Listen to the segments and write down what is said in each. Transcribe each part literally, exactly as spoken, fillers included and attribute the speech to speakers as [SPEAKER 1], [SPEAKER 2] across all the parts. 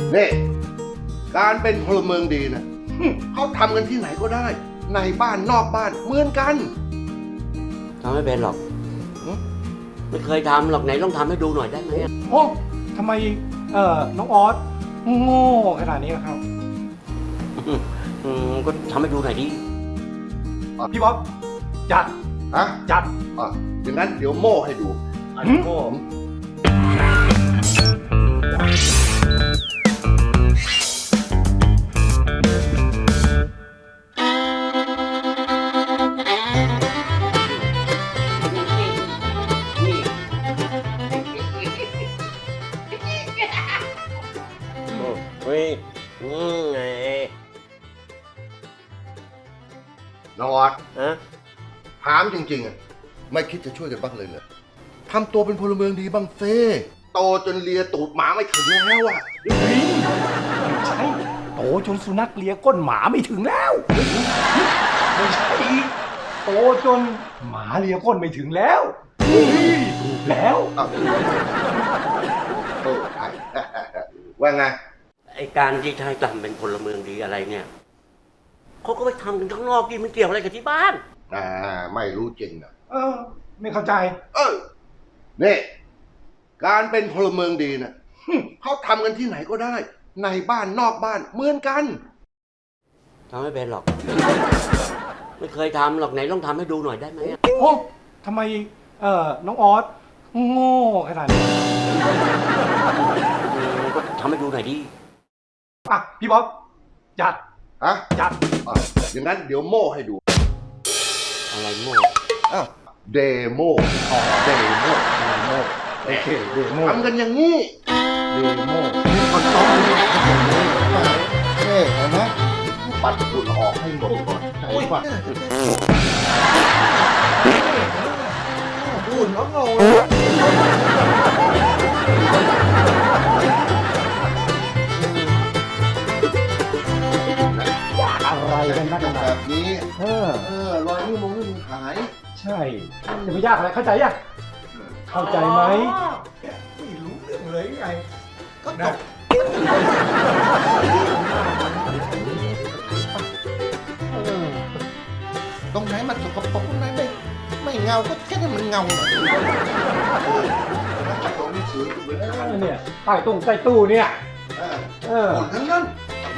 [SPEAKER 1] นี่การเป็นพลเมืองดีนะเขาทำกันที่ไหนก็ได้ในบ้านนอกบ้านเหมือนกัน
[SPEAKER 2] ทำไม่เป็นหรอกไม่เคยทำหรอกไหนลองทำให้ดูหน่อยได้ไหม
[SPEAKER 3] โอ้ทำไมเอ่อน้องออสโง่ขนาดนี้ครับ
[SPEAKER 2] อืมก็ทำให้ดูหน่อยดิ
[SPEAKER 3] พี่บ๊อบจัด
[SPEAKER 1] ฮะ
[SPEAKER 3] จัด
[SPEAKER 1] อ่ะอย่างนั้นเดี๋ยวโม่ให้ดู
[SPEAKER 3] อันโง่
[SPEAKER 2] เฮ้ยอืมไง
[SPEAKER 1] น้องออส
[SPEAKER 2] ฮะ
[SPEAKER 1] ถามจริงๆอ่ะไม่คิดจะช่วยกันบ้างเลยเหรอทำตัวเป็นพลเมืองดีบ้างเซ่โตจนเลียตูดหมาไม่ถึงแล้วอ่ะ
[SPEAKER 3] ใช่โตจนสุนัขเลียก้นหมาไม่ถึงแล้วไม่ใช่โตจนหมาเลียก้นไม่ถึงแล้วถูกแล้ว
[SPEAKER 1] อ้าวเออใช่ ว่าไง
[SPEAKER 2] ไอการที่ชายทำเป็นพลเมืองดีอะไรเนี่ยเขาก็ไปทำกันข้างนอกดิมันเกี่ยวอะไรกับที่บ้าน
[SPEAKER 1] อ่าไม่รู้จริงนะ
[SPEAKER 3] เออ ไม่เข้าใจ
[SPEAKER 1] เออนี่การเป็นพลเมืองดีนะเขาทำกันที่ไหนก็ได้ในบ้านนอกบ้านเหมือนกัน
[SPEAKER 2] ทำไม่เป็นหรอกไม่เคยทำหรอกไหนลองทำให้ดูหน่อยได้ไหม
[SPEAKER 3] โอ้ทำไมเอ่อน้องออสโง่ขนาดนี้
[SPEAKER 2] อืมก็ทำให้ดูหน่อยดิ
[SPEAKER 3] อ่ะพี่บ๊อบจัด
[SPEAKER 1] ฮะ
[SPEAKER 3] จัด
[SPEAKER 1] อ่ะอย่างนั้นเดี๋ยวโม่ให้ดู
[SPEAKER 2] อะไรโม่
[SPEAKER 1] อ้าวเดโมอ๋อเดโม
[SPEAKER 3] เดโมโอเคเดโม
[SPEAKER 1] ทำกันอย่างนี้
[SPEAKER 3] เดโม
[SPEAKER 1] นี่คนต้องนี่นี่เห็นไหมปัดฝุ่นออกให้หมดก่อนใช่ป่ะฝุ่นแล้วเงา
[SPEAKER 3] อะไรกันนักหนา
[SPEAKER 1] แบบนี้
[SPEAKER 3] เออ
[SPEAKER 1] เออรอยนิ้วมือมือหาย
[SPEAKER 3] ใช่จะไม่ยากอะไรเข้าใจยังเข้าใจไหมไม่รู้เรื่องเลยไงก็ได้
[SPEAKER 1] ตรงไหนมันสกปรกตรงไหนไม่ไม่เงาก็แค่ให้มันเงาหน่อยตัวหนังสือเหมือนกัน
[SPEAKER 3] เนี่ยใต้ตู้ใต้ตู้เนี่ย
[SPEAKER 1] เออ
[SPEAKER 3] เออ
[SPEAKER 1] หมดทั้งนั้น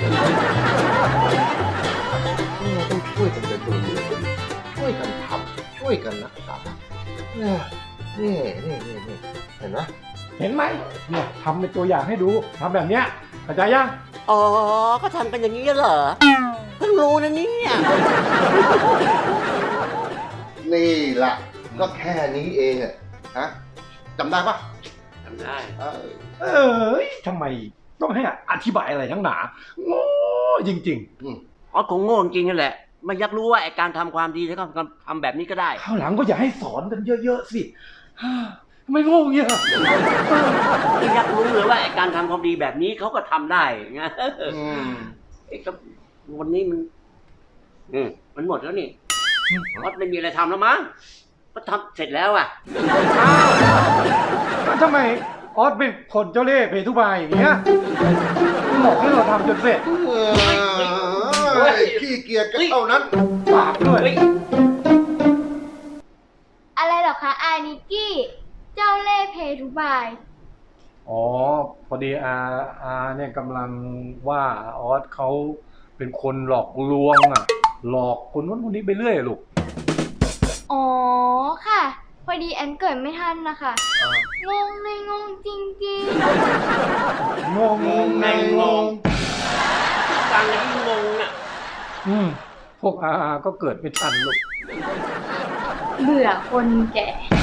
[SPEAKER 1] เราต้องช่วยกันเป็นตัวมือช่วยกันทำช่วยกันรักษาเนี่ยนี่นี่นี่นี่เห็นไหม
[SPEAKER 3] เห็นไหมเนี่ยทำเป็นตัวอย่างให้ดูทำแบบเนี้ยเข้าใจยัง
[SPEAKER 2] อ๋อก็ทำกันอย่างนี้เหรอเพิ่งรู้นะเนี่ย
[SPEAKER 1] นี่ล่ะก็แค่นี้เองอะฮะจำได้ปะ
[SPEAKER 2] ทำได้
[SPEAKER 1] เออ
[SPEAKER 3] เออทำไมต้องให้อธิบายอะไรทั้งหนาโง่จริง
[SPEAKER 1] อืม
[SPEAKER 2] อ๋อคงโง่จริงๆนั่นแหละไม่อยากรู้ว่าไอการทำความดีแล้วก็ทำแบบนี้ก็ได้
[SPEAKER 3] ๆข้าวหลังก็อย่าให้สอนกันเยอะๆสิทำไมโง่เงี้ย
[SPEAKER 2] ไม่อยากรู้เลยว่าไอการทำความดีแบบนี้เขาก็ทำได้ไง
[SPEAKER 1] อืม
[SPEAKER 2] ไอ้ก็วันนี้มันอืมมันหมดแล้วนี่วัดไม่มีอะไรทำแล้วมั้งก็ทำเสร็จแล้วอ่ะ
[SPEAKER 3] แล้วทำไมออสเป็นคนเจ้าเล่ห์เพทุบายอย่างเงี้ยบอกให้เราทำจนเสร็จ
[SPEAKER 1] เอ้ยขี้เกียจก็เท่านั้น
[SPEAKER 3] ปากด้วย
[SPEAKER 2] เฮ้ย
[SPEAKER 4] อะไรเหรอคะอานิกกี้ เจ้าเล่ห์เพทุบาย
[SPEAKER 3] อ๋อพอดีอาอาเนี่ยกำลังว่าออสเขาเป็นคนหลอกลวงอ่ะ หลอกคนนู้นคนนี้ไปเรื่อยลูก
[SPEAKER 4] อ๋อค่ะ พอดีแอนเกิดไม่ทันนะคะงงเลยงงจริง
[SPEAKER 3] งงงงในงง
[SPEAKER 2] ฟังแล้วยิ่งงงอ่ะ
[SPEAKER 3] อืมพวกอาอาก็เกิดไม่ทันลูก
[SPEAKER 4] ๆ เบื่อคนแก่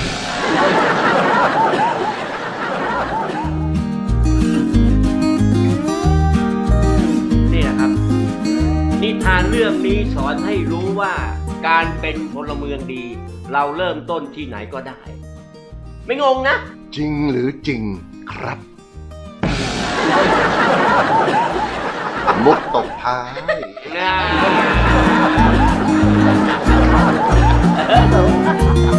[SPEAKER 2] นี่นะครับนิทานเรื่องนี้สอนให้รู้ว่าการเป็นพลเมืองดี เราเริ่มต้นที่ไหนก็ได้ ไม่งงนะ
[SPEAKER 1] จริงหรือจริงครับ มุกตกท้าย
[SPEAKER 2] นะ